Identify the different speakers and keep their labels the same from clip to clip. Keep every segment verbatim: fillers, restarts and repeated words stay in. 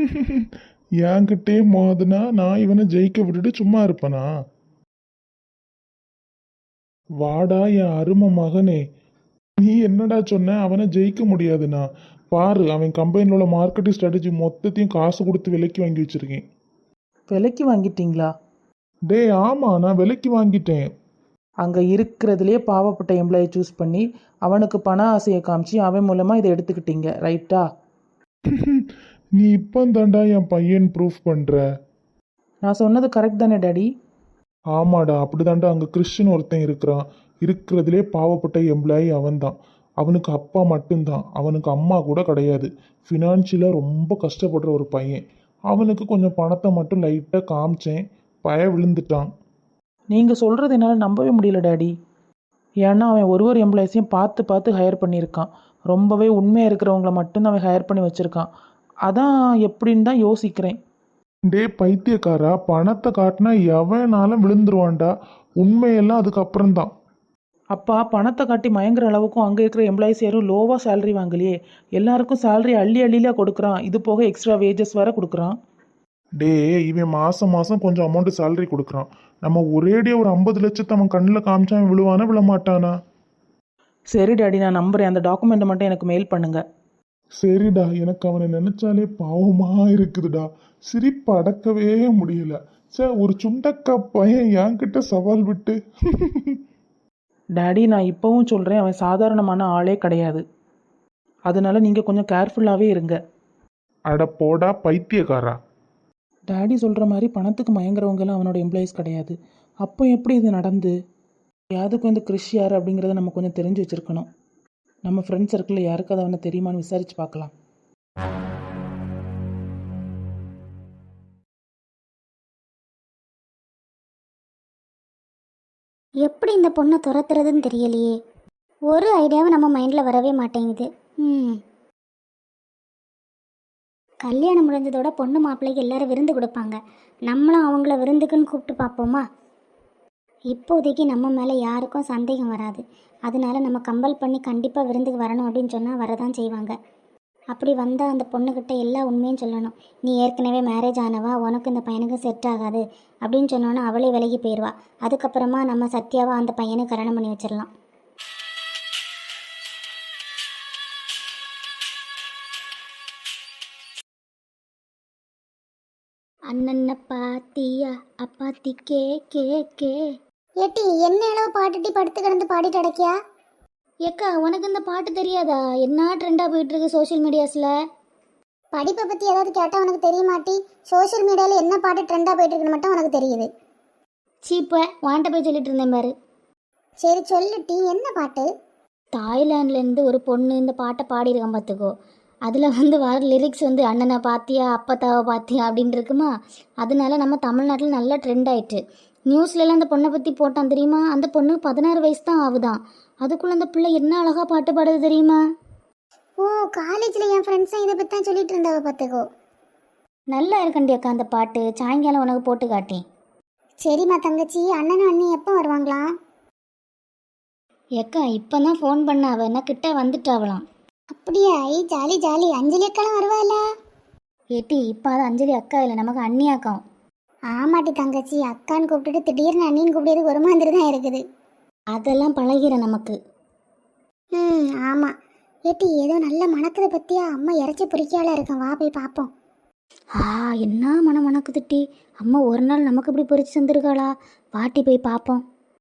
Speaker 1: என்கிட்டே மோதுனா நான் இவனை ஜெயிக்க விட்டுட்டு சும்மா இருப்பேனா? வாடா என் அருமை மகனே. நீ என்னடா சொன்ன அவனை ஜெயிக்க முடியாதுண்ணா? பாரு, அவன் கம்பெனியில் உள்ள மார்க்கெட்டிங் ஸ்ட்ராட்டஜி மொத்தத்தையும் காசு கொடுத்து விலைக்கு வாங்கி வச்சிருக்கேன்.
Speaker 2: விலைக்கு வாங்கிட்டீங்களா?
Speaker 1: டே ஆமா, நான் விலைக்கு வாங்கிட்டேன்.
Speaker 2: அங்கே இருக்கிறதுலே பாவப்பட்ட எம்ப்ளாயை சூஸ் பண்ணி அவனுக்கு பண ஆசையை காமிச்சு அவன் மூலமாக இதை எடுத்துக்கிட்டீங்க, ரைட்டா?
Speaker 1: நீ இப்போ தாண்டா என் பையன் ப்ரூஃப் பண்ற.
Speaker 2: நான் சொன்னது கரெக்ட் தானே டாடி?
Speaker 1: ஆமாடா, அப்படிதான்டா. அங்கே கிறிஸ்டின் ஒருத்தன் இருக்கிறான். இருக்கிறதுலே பாவப்பட்ட எம்ப்ளாயி அவன்தான். அவனுக்கு அப்பா மட்டும்தான், அவனுக்கு அம்மா கூட கிடையாது. ஃபினான்ஷியலாக ரொம்ப கஷ்டப்படுற ஒரு பையன். அவனுக்கு கொஞ்சம் பணத்தை மட்டும் லைட்டாக காமிச்சேன், பய விழுந்துட்டான்.
Speaker 2: நீங்கள் சொல்கிறது என்னால் நம்பவே முடியல டாடி. ஏன்னா அவன் ஒரு ஒரு எம்ப்ளாயிஸையும் பார்த்து பார்த்து ஹையர் பண்ணியிருக்கான். ரொம்பவே உண்மையாக இருக்கிறவங்கள மட்டும்தான் அவன் ஹையர் பண்ணி வச்சுருக்கான். அதான் எப்படின்னு தான் யோசிக்கிறேன்.
Speaker 1: டே பைத்தியக்காரா, பணத்தை காட்டினா எவனாலும் விழுந்துருவான்டா. உண்மையெல்லாம் அதுக்கப்புறம்தான்.
Speaker 2: அப்பா பணத்தை காட்டி மயங்குற அளவுக்கும் அங்கே இருக்கிற எம்ப்ளாயிஸ் யாரும் லோவாக சேலரி வாங்கலையே. எல்லாருக்கும் சேலரி அள்ளி அள்ளியில் கொடுக்குறான். இது போக எக்ஸ்ட்ரா வேஜஸ் வேறு கொடுக்குறான்.
Speaker 1: டே, இவன் மாதம் மாதம் கொஞ்சம் அமௌண்ட் சேலரி கொடுக்குறான். நம்ம ஒரேடியாக ஒரு ஐம்பது லட்சத்தை அவன் கண்ணில் காமிச்சா அவன் விழுவானா விழமாட்டானா?
Speaker 2: சரி டாடி, நான் நம்புறேன். அந்த டாக்குமெண்ட்டை மட்டும் எனக்கு மெயில் பண்ணுங்க.
Speaker 1: சரிடா, எனக்கு அவனை நினைச்சாலே பாவமா இருக்குதுடா. சிரிப்பு அடக்கவே முடியல. சே, ஒரு சுண்டக்கா பையன் என்கிட்ட சவால் விட்டு.
Speaker 2: டாடி, நான் இப்போவும் சொல்கிறேன், அவன் சாதாரணமான ஆளே கிடையாது. அதனால நீங்கள் கொஞ்சம் கேர்ஃபுல்லாகவே இருங்க.
Speaker 1: அட போடா பைத்தியக்காரா.
Speaker 2: டாடி சொல்கிற மாதிரி பணத்துக்கு மயங்குறவங்கெல்லாம் அவனோட எம்ப்ளாயிஸ் கிடையாது. அப்போ எப்படி இது நடந்து? யாருக்கும் இந்த கிறிஷ் யார் அப்படிங்கிறத நம்ம கொஞ்சம் தெரிஞ்சு வச்சுருக்கணும். நம்ம ஃப்ரெண்ட் சர்க்கிளில் யாருக்காவது அவனை தெரியுமான்னு விசாரித்து பார்க்கலாம்.
Speaker 3: எப்படி இந்த பொண்ணை துரத்துறதுன்னு தெரியலையே. ஒரு ஐடியாவும் நம்ம மைண்டில் வரவே மாட்டேங்குது. ம் கல்யாணம் முடிஞ்சதோட பொண்ணு மாப்பிள்ளைக்கு எல்லாரும் விருந்து கொடுப்பாங்க. நம்மளும் அவங்கள விருந்துக்குன்னு கூப்பிட்டு பார்ப்போமா? இப்போதைக்கு நம்ம மேலே யாருக்கும் சந்தேகம் வராது. அதனால நம்ம கம்பல் பண்ணி கண்டிப்பாக விருந்துக்கு வரணும் அப்படின்னு சொன்னால் வரதான் செய்வாங்க. அப்படி வந்தால் அந்த பொண்ணுக்கிட்ட எல்லா உண்மையும் சொல்லணும். நீ ஏற்கனவே மேரேஜ் ஆனவா, உனக்கு இந்த பையனுக்கு செட் ஆகாது அப்படின்னு சொன்னோன்னா அவளே விலகி போயிடுவா. அதுக்கப்புறமா நம்ம சத்யாவா அந்த பையனுக்கு கல்யாணம் பண்ணி வச்சிடலாம். அண்ணன்ன பாத்தியா அப்பாத்தி கே கே கே. ஏட்டி என்ன அளவு பாட்டுட்டி படுத்து கிடந்து பாடிட்டு அடக்கியா? ஏக்கா, உனக்கு இந்த பாட்டு தெரியாதா? என்ன ட்ரெண்டாக போயிட்டு இருக்கு சோஷியல் மீடியாஸில். படிப்பை பற்றி ஏதாவது கேட்டால் உனக்கு தெரியுமாட்டி? சோஷியல் மீடியாவில் என்ன பாட்டு ட்ரெண்டாக போயிட்டு இருக்குன்னு மட்டும் உனக்கு தெரியுது. சீப்ப வாண்ட போய் சொல்லிட்டு இருந்தேன் பாரு. சரி சொல்லுட்டி, என்ன பாட்டு? தாய்லாண்ட்லேருந்து ஒரு பொண்ணு இந்த பாட்டை பாடியிருக்கான் பார்த்துக்கோ. அதில் வந்து வர லிரிக்ஸ் வந்து அண்ணனை பாத்தியா அப்பத்தாவை பாத்தியா அப்படின்னு இருக்குமா. அதனால நம்ம தமிழ்நாட்டில் நல்லா ட்ரெண்ட் ஆயிட்டு. நியூஸ்லலாம் அந்த பொண்ணை பற்றி போட்டான் தெரியுமா? அந்த பொண்ணு பதினாறு வயசு தான் ஆகுதான். அதுக்குள்ளே அந்த பிள்ளை என்ன அழகாக பாட்டு பாடுது தெரியுமா? ஓ, காலேஜில் என் ஃப்ரெண்ட்ஸும் இதை பற்றி தான் சொல்லிட்டு இருந்தாவ பார்த்துக்கோ. நல்லா இருக்கண்டி அக்கா அந்த பாட்டு. சாயங்காலம் உனக்கு போட்டு காட்டேன். சரிம்மா தங்கச்சி. அண்ணனும் அண்ணி எப்போ வருவாங்களா? ஏக்கா இப்போ தான் ஃபோன் பண்ண, அவ என்ன கிட்ட வந்துட்டாவலாம். அப்படியா? ஐ ஜாலி ஜாலி. அஞ்சலி அக்காலாம் வருவாள? ஏட்டி இப்போ அது அஞ்சலி அக்கா இல்லை, நமக்கு அண்ணி அக்கா. ஆமாட்டி தங்கச்சி, அக்கான்னு கூப்பிட்டுட்டு திடீர்னு அண்ணின்னு கூப்பிடுறது ஒரு மாதிரி தான் இருக்குது. அதெல்லாம் பழகிற நமக்கு. ம் ஆமாம். ஏட்டி ஏதோ நல்ல மணக்குதை பற்றியா? அம்மா இறச்சி பொறிக்கால இருக்கேன், வா போய் பார்ப்போம். ஆ என்ன மனம் மணக்குதுட்டி. அம்மா ஒரு நாள் நமக்கு இப்படி பொறிச்சு தந்துருக்காளா? வாட்டி போய் பார்ப்போம்.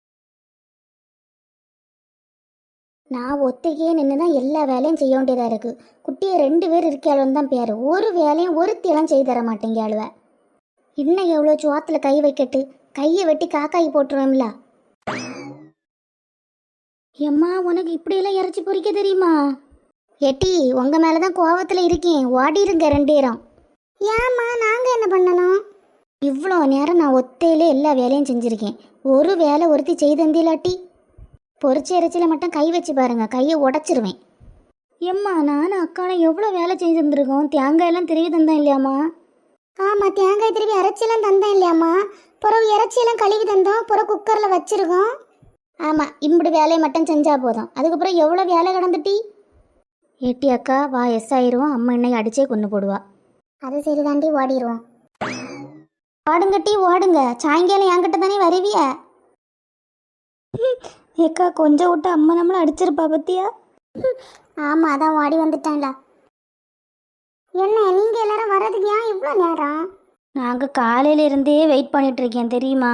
Speaker 3: நான் ஒத்தைக்கே நின்று தான் எல்லா வேலையும் செய்ய வேண்டியதாக இருக்குது. குட்டியை ரெண்டு பேர் இருக்காளுன்னு தான் பேர். ஒரு வேலையும் ஒருத்தியெல்லாம் செய்து தர மாட்டேங்க அழுவ. இன்னும் எவ்வளோ சுவாத்தில் கை வைக்கட்டு, கையை வெட்டி காக்காய் போட்டுருவேன்ல. எம்மா, உனக்கு இப்படியெல்லாம் இறச்சி பொறிக்க தெரியுமா? எட்டி உங்கள் மேலே தான் கோவத்தில் இருக்கேன், ஓடிருங்க ரெண்டு பேரும். ஏம்மா நாங்கள் என்ன பண்ணணும்? இவ்வளோ நேரம் நான் ஒத்தையிலே எல்லா வேலையும் செஞ்சுருக்கேன். ஒரு வேலை ஒருத்தி செய்து தந்திலாட்டி? பொறிச்ச இறைச்சியில் மட்டும் கை வச்சு பாருங்க, கையை உடச்சிருவேன். எம்மா, நானும் அக்காலும் எவ்வளோ வேலை செஞ்சு தந்துருக்கோம். தேங்காயெல்லாம் திருவி தந்தேன் இல்லையாம்மா? ஆமாம், தேங்காய் திருவி இறைச்சியெல்லாம் தந்தேன் இல்லையாம்மா? பிறகு இறைச்சியெல்லாம் கழுவி தந்தோம், பிறகு குக்கரில் வச்சுருக்கோம். ஆமாம், இப்படி வேலையை மட்டும் செஞ்சால் போதும். அதுக்கப்புறம் எவ்வளோ வேலை கிடந்துட்டி? ஏட்டி அக்கா வா, எஸ் ஆயிரும். அம்மா என்னை அடிச்சே கொண்டு போடுவா. அது சரி தாண்டி ஓடிடுவோம். ஓடுங்கட்டி ஓடுங்க, சாயங்காலம் என்கிட்ட தானே வருவிய. ஏக்கா கொஞ்சம் விட்டு அம்மா நம்மளை அடிச்சிருப்பா பத்தியா? ஆமாம், அதான் ஓடி வந்துட்டான்ல. என்ன நீங்கள் எல்லாரும் வர்றதுக்கு ஏன் இவ்வளோ நேரம்? நாங்கள் காலையில இருந்தே வெயிட் பண்ணிட்டு இருக்கேன் தெரியுமா.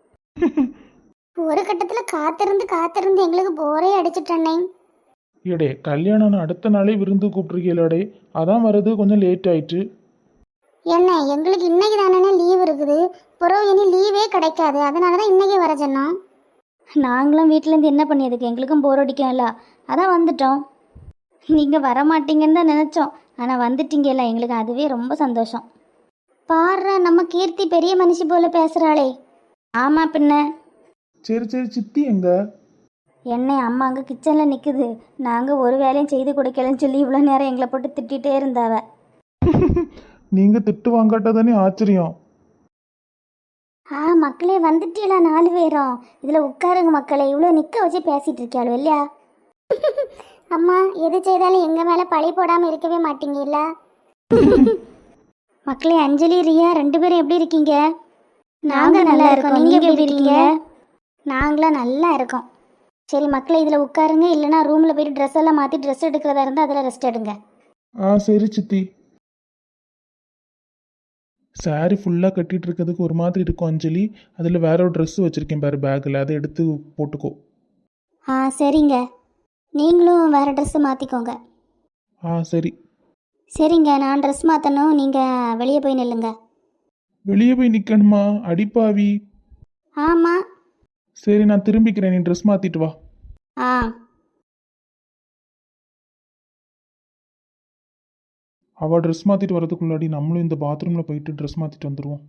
Speaker 3: ஒரு கட்டத்தில் காத்திருந்து காத்திருந்து எங்களுக்கு போரே அடிச்சிட்டேன்னே.
Speaker 1: ஏடே கல்யாணம் அடுத்த நாளே விருந்து கூப்பிட்ருக்கீங்களே, அதான் வர்றது கொஞ்சம் லேட் ஆயிட்டு.
Speaker 3: என்ன எங்களுக்கு இன்னைக்கு தானே லீவ் இருக்குது, பிறகு இனி லீவே கிடைக்காது, அதனால தான் இன்னைக்கு வர சொன்னோம். நாங்களும் வீட்டிலேருந்து என்ன பண்ணியதுக்கு, எங்களுக்கும் போர் அடிக்கும்ல, அதான் வந்துட்டோம். நீங்கள் வரமாட்டீங்கன்னு தான் நினச்சோம், ஆனால் வந்துட்டீங்கல்ல, எங்களுக்கு அதுவே ரொம்ப சந்தோஷம். பாரு நம்ம கீர்த்தி பெரிய மனுஷி போல பேசுகிறாளே. ஆமாம் பின்ன.
Speaker 1: சரி சரி, சித்தி எங்க?
Speaker 3: என்னை அம்மா அங்கே கிச்சனில் நிற்குது, நாங்கள் ஒரு வேலையும் செய்து கொடுக்கலன்னு சொல்லி இவ்வளோ நேரம் எங்களை போட்டு திட்டிகிட்டே இருந்தாவ.
Speaker 1: நீங்க திட்டு வாங்காட்டா தானே ஆச்சரியம்.
Speaker 3: ஆ மக்களே வந்துட்டீங்களா நாலு பேரும்? இதில் உட்காருங்க மக்களே, இவ்வளோ நிற்க வச்சு பேசிகிட்டு இருக்கியாளோ இல்லையா? அம்மா எது செய்தாலும் எங்கள் மேலே பழி போடாமல் இருக்கவே மாட்டீங்கல்ல. மக்களே, அஞ்சலி ரியா ரெண்டு பேரும் எப்படி இருக்கீங்க? நாங்கள் நல்லா இருக்கோம், நீங்கள் எப்படி இருக்கீங்க? நாங்களாம் நல்லா இருக்கோம். சரி மக்களே, இதில் உட்காருங்க, இல்லைனா ரூமில் போயிட்டு ட்ரெஸ் எல்லாம் மாற்றி ட்ரெஸ் எடுக்கிறதா இருந்தால் அதில் ரெஸ்ட் எடுங்க.
Speaker 1: ஆ சரி சித்தி. சாரி ஃபுல்லாக கட்டிட்டு இருக்கிறதுக்கு ஒரு மாதிரி இருக்கும் அஞ்சலி, அதில் வேற ஒரு ட்ரெஸ் வச்சுருக்கேன் பாரு பேக்கில், அதை எடுத்து போட்டுக்கோ.
Speaker 3: ஆ சரிங்க, நீங்களும் வேறு ட்ரெஸ்ஸு மாற்றிக்கோங்க.
Speaker 1: ஆ சரி.
Speaker 3: சரிங்க, நான் ட்ரெஸ் மாற்றணும், நீங்கள் வெளியே போய் நில்லுங்க.
Speaker 1: வெளியே போய் நிற்கணுமா? அடிப்பாவி.
Speaker 3: ஆமாம்.
Speaker 1: சரி நான் திரும்பிக்கிறேன், நீ ட்ரெஸ் மாற்றிட்டு வா.
Speaker 3: ஆ
Speaker 1: அவள் ட்ரெஸ் மாற்றிட்டு வரதுக்குள்ளாடி நம்மளும் இந்த பாத்ரூமில் போயிட்டு ட்ரெஸ் மாற்றிட்டு வந்துடுவோம்.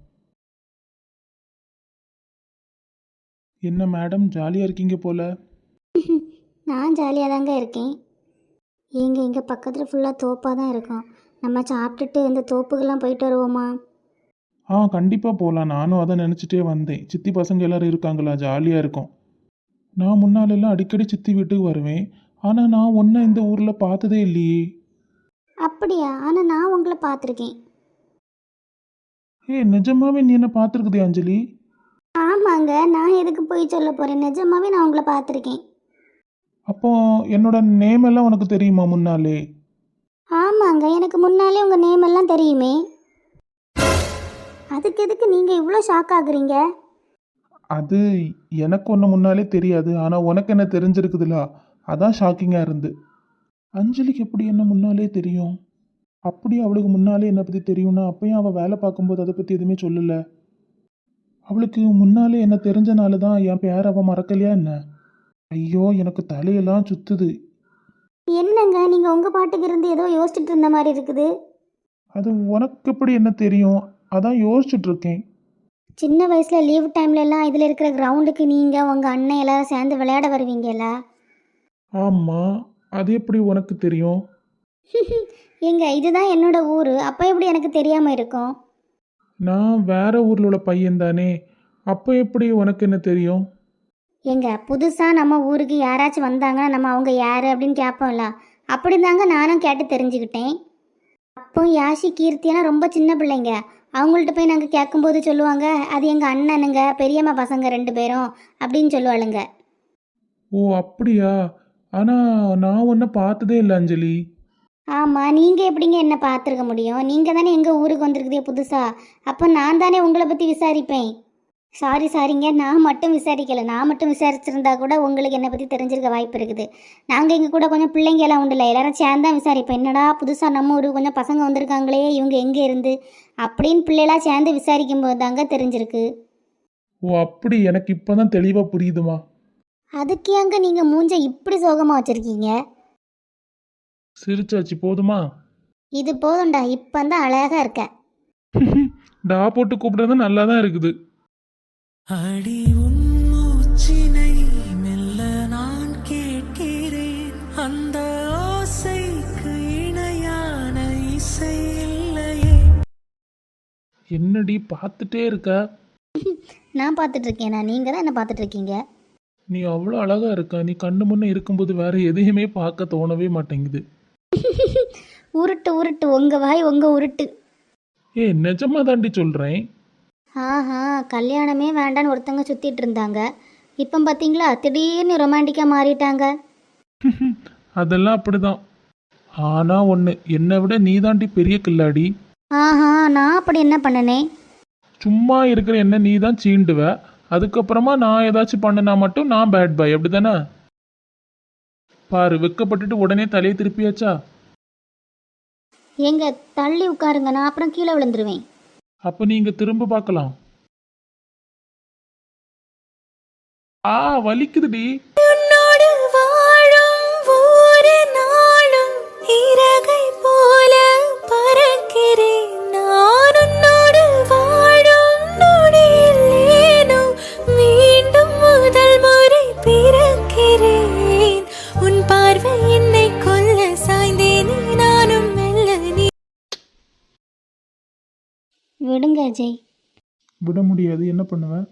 Speaker 1: என்ன மேடம் ஜாலியாக இருக்கீங்க போல?
Speaker 3: நான் ஜாலியாக தாங்க இருக்கேன். எங்க இங்கே பக்கத்தில் ஃபுல்லாக தோப்பாக தான் இருக்கும், நம்ம சாப்பிட்டுட்டு இந்த தோப்புக்கெல்லாம் போயிட்டு வருவோமா?
Speaker 1: ஆ கண்டிப்பாக போகலாம், நானும் அதை நினச்சிட்டே வந்தேன். சித்தி பசங்க எல்லோரும் இருக்காங்களா, ஜாலியாக இருக்கும். நான் முன்னாலெல்லாம் அடிக்கடி சித்தி வீட்டுக்கு வருவேன், ஆனால் நான் ஒன்றை இந்த ஊரில் பார்த்ததே இல்லையே.
Speaker 3: அப்படியா? ஆனால் நான் உங்களை பார்த்துருக்கேன்.
Speaker 1: ஏ நிஜமாவே நீ என்ன பார்த்துருக்குதே அஞ்சலி?
Speaker 3: ஆமாங்க, நான் எதுக்கு போய் சொல்ல போகிறேன், நிஜமாவே நான் உங்களை பார்த்துருக்கேன்.
Speaker 1: அப்போ என்னோட நேம் எல்லாம் உனக்கு தெரியுமா முன்னாலே?
Speaker 3: ஆமாங்க, எனக்கு முன்னாலே உங்கள் நேம் எல்லாம் தெரியுமே. அதுக்கு எதுக்கு நீங்கள் இவ்வளோ ஷாக் ஆகுறீங்க?
Speaker 1: அது எனக்கு ஒன்று முன்னாலே தெரியாது, ஆனால் உனக்கு என்ன தெரிஞ்சிருக்குதுல, அதான் ஷாக்கிங்காக இருந்து. அஞ்சலிக்கு எப்படி என்ன முன்னாலே தெரியும்? அப்படி அவளுக்கு முன்னாலே என்னை பற்றி தெரியும்னா அப்பயும் அவள் வேலை பார்க்கும்போது அதை பற்றி எதுவுமே சொல்லலை. அவளுக்கு முன்னாலே என்ன தெரிஞ்சனால தான் என் பேர் அவள் மறக்கலையா என்ன? ஐயோ எனக்கு தலையெல்லாம் சுத்துது.
Speaker 3: என்னங்க நீங்கள் உங்கள் பாட்டுக்கு இருந்து ஏதோ யோசிச்சுட்டு இருந்த மாதிரி இருக்குது.
Speaker 1: அது உனக்கு எப்படி என்ன தெரியும்? அதான் யோசிச்சுட்டு இருக்கேன்.
Speaker 3: சின்ன வயசில் லீவ் டைம்லலாம் இதில் இருக்கிற கிரவுண்டுக்கு நீங்கள் உங்கள் அண்ணன் எல்லாரும் சேர்ந்து விளையாட வருவீங்கல்ல?
Speaker 1: ஆமாம், அது எப்படி உனக்கு தெரியும்?
Speaker 3: ஏங்க இதுதான் என்னோட ஊர், அப்போ எப்படி எனக்கு தெரியாமல் இருக்கும்?
Speaker 1: நான் வேற ஊரில் உள்ள பையன் தானே, அப்போ எப்படி உனக்கு என்ன தெரியும்?
Speaker 3: ஏங்க புதுசாக நம்ம ஊருக்கு யாராச்சும் வந்தாங்கன்னா நம்ம அவங்க யார் அப்படின்னு கேட்போம்ல, அப்படி தாங்க நானும் கேட்டு தெரிஞ்சுக்கிட்டேன். அப்போ யாஷி கீர்த்தியெல்லாம் ரொம்ப சின்ன பிள்ளைங்க, அவங்கள்ட்ட போய் நாங்கள் கேட்கும்போது சொல்லுவாங்க அது எங்கள் அண்ணனுங்க பெரியம்மா பசங்க ரெண்டு பேரும் அப்படின்னு சொல்லுவாளுங்க.
Speaker 1: ஓ அப்படியா? ஆனால் நான் ஒன்றை பார்த்ததே இல்லை அஞ்சலி.
Speaker 3: ஆமாம், நீங்கள் எப்படிங்க என்ன பார்த்துருக்க முடியும்? நீங்கள் தானே எங்கள் ஊருக்கு வந்திருக்குதே புதுசாக, அப்போ நான் தானே உங்களை பற்றி விசாரிப்பேன். சாரி சாரிங்க, நான் மட்டும் விசாரிக்கலை, நான் மட்டும் விசாரிச்சிருந்தா கூட உங்களுக்கு என்னை பற்றி தெரிஞ்சிருக்க வாய்ப்பு இருக்குது. நாங்கள் இங்கே கூட கொஞ்சம் பிள்ளைங்க எல்லாம் உண்டுல, எல்லாரும் சேர்ந்து தான் விசாரிப்போம். என்னடா புதுசாக நம்ம ஊருக்கு கொஞ்சம் பசங்க வந்திருக்காங்களே, இவங்க எங்கே இருந்து அப்படின்னு பிள்ளைலாம் சேர்ந்து விசாரிக்கும் போது தாங்க தெரிஞ்சிருக்கு.
Speaker 1: ஓ அப்படி, எனக்கு இப்போ தான் தெளிவாக புரியுதுமா.
Speaker 3: அதுக்கு ஏங்க நீங்கள் மூஞ்ச இப்படி சோகமாக வச்சுருக்கீங்க?
Speaker 1: சிரிச்சாச்சு போதுமா?
Speaker 3: இது போதும்டா, இப்போ தான் அழகாக இருக்க.
Speaker 1: டா போட்டு கூப்பிடுறது நல்லா தான் இருக்குது.
Speaker 4: அடி உன் மூச்சினை மெல்ல நான் கேட்கிறேன், அந்த ஓசைக்கு இணையான இசை இல்லையே.
Speaker 1: என்னடி பார்த்துட்டே இருக்க?
Speaker 3: நான் பார்த்துட்ருக்கேனா? நீங்கள் தான் என்ன பார்த்துட்ருக்கீங்க.
Speaker 1: நீ அவ்வளோ அழகா இருக்க, நீ கண்ணு முன்னே இருக்கும்போது வேற எதையுமே பார்க்க தோணவே மாட்டேங்குது.
Speaker 3: உருட்டு உருட்டு, உங்கள் வாய் உங்கள் உருட்டு.
Speaker 1: ஏ நிஜமா தாண்டி சொல்கிறேன்.
Speaker 3: ஆஹா கல்யாணமே வேண்டான்னு ஒருத்தங்க சுற்றிட்டு இருந்தாங்க. இப்போ பார்த்தீங்களா திடீர்னு ரொமான்டிக்காக மாறிட்டாங்க.
Speaker 1: அதெல்லாம் அப்படிதான். ஆனால் ஒன்று, என்னை விட நீ தாண்டி பெரிய கில்லாடி.
Speaker 3: ஆஹா நான் அப்படி என்ன பண்ணனேன்?
Speaker 1: சும்மா இருக்கிற என்ன நீ தான் சீண்டுவ. அதுக்கப்புறமா நான் ஏதாச்சும் பண்ணினா மட்டும் நான் பேட் பாய், அப்படி தானே? பாரு, வெக்கப்பட்டுட்டு உடனே தலையை திருப்பியாச்சா?
Speaker 3: எங்க தள்ளி உட்காருங்க, நான் அப்புறம் கீழே விழுந்துருவேன்.
Speaker 1: அப்போ நீங்கள் திரும்ப பார்க்கலாம். ஆ வலிக்குதுடி.
Speaker 4: உன்னோடு வாழும் ஒவ்வொரு நாளும் இறகை போல பறக்கிறேன். நான் உன்னோடு வாழும் நொடியில் ஏனோ மீண்டும் முதல் முறை பிறக்கிறேன். உன் பார்வை என்னை கொல்ல சாய்ந்தேனே நானும் மெல்ல நீ.
Speaker 3: விடுங்க அஜய்.
Speaker 1: விட முடியாது, என்ன பண்ணுவேன்?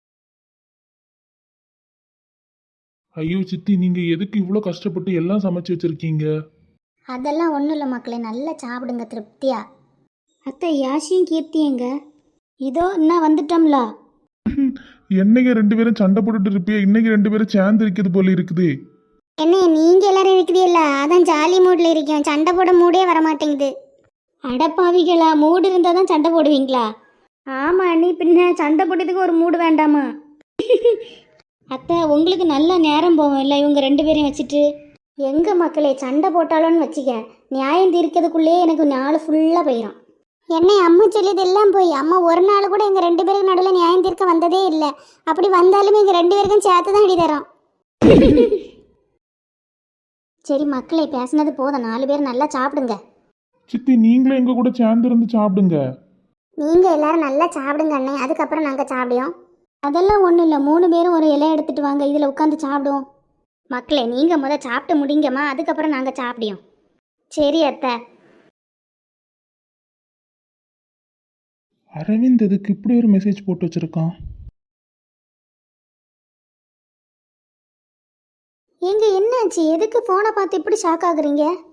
Speaker 1: ஐயோ சித்தி, நீங்கள் எதுக்கு இவ்வளோ கஷ்டப்பட்டு எல்லாம் சமைச்சு வச்சுருக்கீங்க?
Speaker 3: அதெல்லாம் ஒன்றும் இல்லை மக்களே, நல்லா சாப்பிடுங்க திருப்தியா. அத்தை யாஷியும் கீர்த்தி எங்க? இதோ இன்னும் வந்துட்டோம்ல.
Speaker 1: என்னைக்கு ரெண்டு பேரும் சண்டை போட்டுட்டு இருப்பிய, இன்னைக்கு ரெண்டு பேரும் சேர்ந்து இருக்கிறது போல இருக்குது.
Speaker 3: என்ன நீங்க எல்லாரும் இருக்கிறீல்ல, அதான் ஜாலி மூட்ல இருக்கேன். சண்டை போட மூடே வர மாட்டேங்குது. அடப்பாவிகளா, மூடு இருந்தால் தான் சண்டை போடுவீங்களா? ஆமா நீ பின்ன சண்டை போட்டதுக்கு ஒரு மூடு வேண்டாமா? அத்தை உங்களுக்கு நல்ல நேரம் போவோம் இல்லை இவங்க ரெண்டு பேரையும் வச்சுட்டு. எங்க மக்களே சண்டை போட்டாலும்னு வச்சுக்க, நியாயம் தீர்க்கிறதுக்குள்ளே எனக்கு நாள் ஃபுல்லாக போயிடும். என்னை அம்மா சொல்லியது எல்லாம் போய், அம்மா ஒரு நாள் கூட எங்கள் ரெண்டு பேருக்கு நடுவில் நியாயம் தீர்க்க வந்ததே இல்லை. அப்படி வந்தாலுமே எங்கள் ரெண்டு பேருக்கும் சேர்த்து தான் அடி தரோம். சரி மக்களே, பேசினது போதும், நாலு பேர் நல்லா சாப்பிடுங்க.
Speaker 1: சித்தி, நீங்களும் எங்க கூட சேர்ந்து இருந்து சாப்பிடுங்க.
Speaker 3: நீங்கள் எல்லாரும் நல்லா சாப்பிடுங்க அண்ணே, அதுக்கப்புறம் நாங்கள் சாப்பிடுவோம். அதெல்லாம் ஒன்றும் இல்லை, மூணு பேரும் ஒரு இலை எடுத்துட்டு வாங்க, இதில் உட்காந்து சாப்பிடுவோம். மக்களே நீங்கள் முத சாப்பிட்டு முடிங்கம்மா, அதுக்கப்புறம் நாங்கள் சாப்பிடுவோம். சரி அத்தை.
Speaker 1: அரவிந்த் எதுக்கு இப்படி ஒரு மெசேஜ் போட்டு வச்சிருக்கான்?
Speaker 3: எங்க என்னாச்சு, எதுக்கு ஃபோனை பார்த்து இப்படி ஷாக் ஆகுறீங்க?